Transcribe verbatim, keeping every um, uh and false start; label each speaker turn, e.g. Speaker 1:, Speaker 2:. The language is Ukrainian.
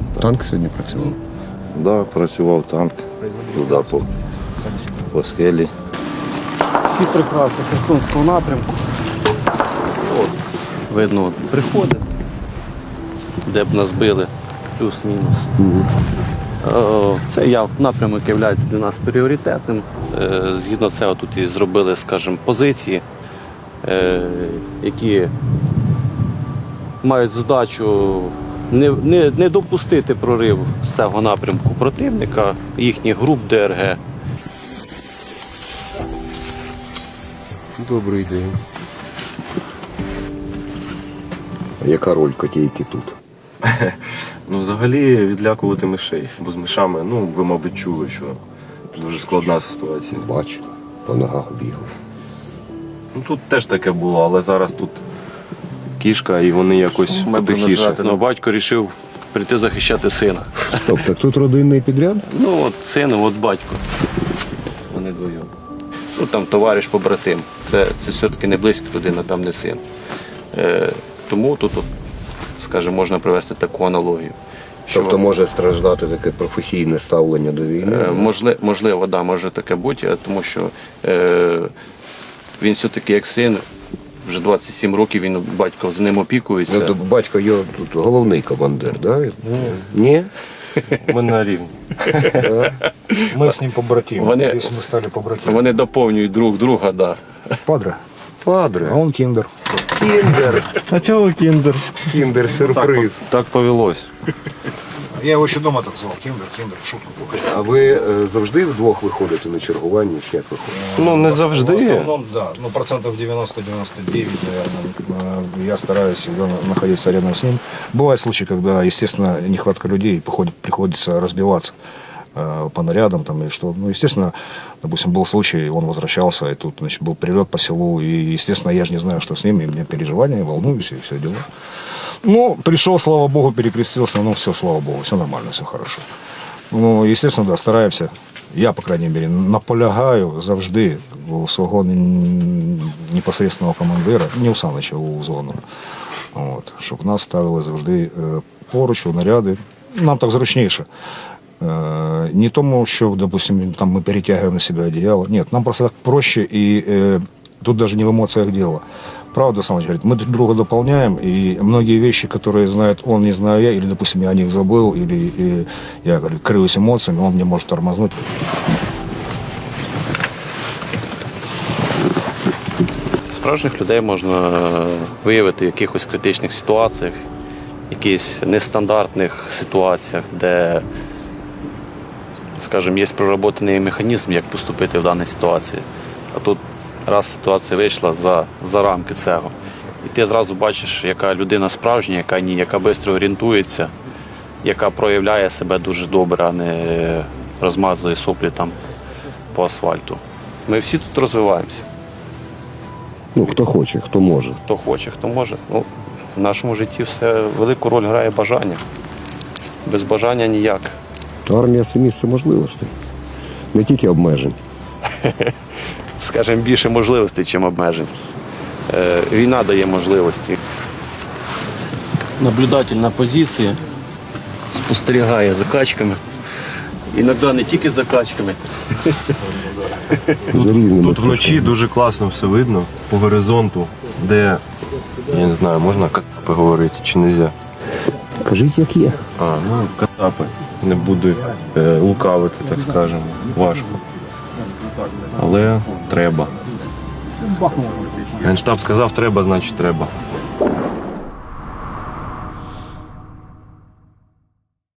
Speaker 1: Танк сьогодні працював?
Speaker 2: Так, да, працював танк. Туди по, по скелі.
Speaker 3: Всі прикраси Херсонського напрямку.
Speaker 4: От, видно, от, приходить, де б нас били, плюс-мінус. Угу. Цей напрямок є для нас пріоритетним. Згідно цього тут і зробили, скажімо, позиції, які мають задачу не, не, не допустити прорив з цього напрямку противника, їхніх груп ДРГ.
Speaker 1: Добрий день. А яка роль котейки тут?
Speaker 5: Ну, взагалі відлякувати мишей, бо з мишами, ну, ви, мабуть, чули, що дуже складна ситуація.
Speaker 1: Бачу, по ногах бігли.
Speaker 5: Ну, тут теж таке було, але зараз тут кішка і вони якось потихіше.
Speaker 4: Ну, батько вирішив прийти захищати сина.
Speaker 1: Стоп, так тут родинний підряд?
Speaker 4: Ну, от син, от батько. Вони двоє. Ну, там товариш побратим. Це, це все-таки не близька людина, там не син. Е, тому тут, от, скажімо, можна привести таку аналогію. Що,
Speaker 1: Тобто може страждати таке професійне ставлення до війни?
Speaker 4: е, можливо, можливо, да, може таке бути, тому що е, він все-таки як син, вже двадцять сім років він, батько з ним опікується.
Speaker 1: Ну, то батько його тут головний командир, так? Да? Ні?
Speaker 5: Ми на рівні.
Speaker 6: Мы с ним побратимы.
Speaker 4: Вони-
Speaker 6: Здесь мы стали побратимы.
Speaker 4: Вони доповнюють друг друга, да.
Speaker 6: Падре.
Speaker 5: Падре.
Speaker 6: А он киндер.
Speaker 1: Кіндер!
Speaker 3: А чого кіндер?
Speaker 1: Кіндер сюрприз.
Speaker 5: Так повелось.
Speaker 6: Я его еще дома так звал. Киндер, киндер, шутку.
Speaker 1: А ви е, завжди вдвох виходите на чергування, чи як виходите?
Speaker 5: Ну, не
Speaker 6: В
Speaker 5: завжди.
Speaker 6: основном, да. Ну, процентов девяносто - девяносто девять, наверное, э, я стараюсь всегда находиться рядом с ним. Бывают случаи, когда, естественно, нехватка людей, и походит- приходится разбиваться э, по нарядам там, или что. Ну, естественно, допустим, был случай, он возвращался, и тут, значит, был прилет по селу, и, естественно, я же не знаю, что с ним, и у меня переживания, волнуюсь, и все дела. Ну, пришел, слава богу, перекрестился, ну, все, слава богу, все нормально, все хорошо. Ну, естественно, да, стараємося. Я, по крайней мере, наполягаю завжди у свого н- непосредственного командира, не у Санича, у зону, от, щоб нас ставили завжди е, поруч, у наряди. Нам так зручніше. Е, Не тому, що, допустим, там ми перетягуємо на себе одеяло. Ні, нам просто так проще, і е, тут даже не в эмоциях дело. Правда, Саныч говорит, мы друг друга дополняем, и многие вещи, которые знает он, не знаю я, или, допустим, я о них забыл, или и, я говорю, крыюсь эмоциями, он мне может тормознуть.
Speaker 4: Справжніх людей можна виявити в якихось критичних ситуаціях, якихось нестандартних ситуаціях, де, скажімо, є проработаний механізм, як поступити в даній ситуації. А тут раз ситуація вийшла за, за рамки цього. І ти зразу бачиш, яка людина справжня, яка ні, яка швидко орієнтується, яка проявляє себе дуже добре, а не розмазує соплі там по асфальту. Ми всі тут розвиваємося.
Speaker 1: Ну, хто хоче, хто може.
Speaker 4: Хто хоче, хто може. Ну, в нашому житті все велику роль грає бажання. Без бажання ніяк.
Speaker 1: Армія – це місце можливостей. Не тільки обмежень.
Speaker 4: Скажімо, більше можливостей, ніж обмежень. Е, війна дає можливості. Наблюдатель на позиції спостерігає за качками. Іноді не тільки за качками.
Speaker 1: За різними.
Speaker 5: Тут вночі дуже класно все видно по горизонту, де, я не знаю, можна катапи говорити чи не можна?
Speaker 1: Кажіть, як є.
Speaker 5: А, ну, катапи. Не буду е, лукавити, так скажемо. Важко. Але треба. Генштаб сказав, треба, значить треба.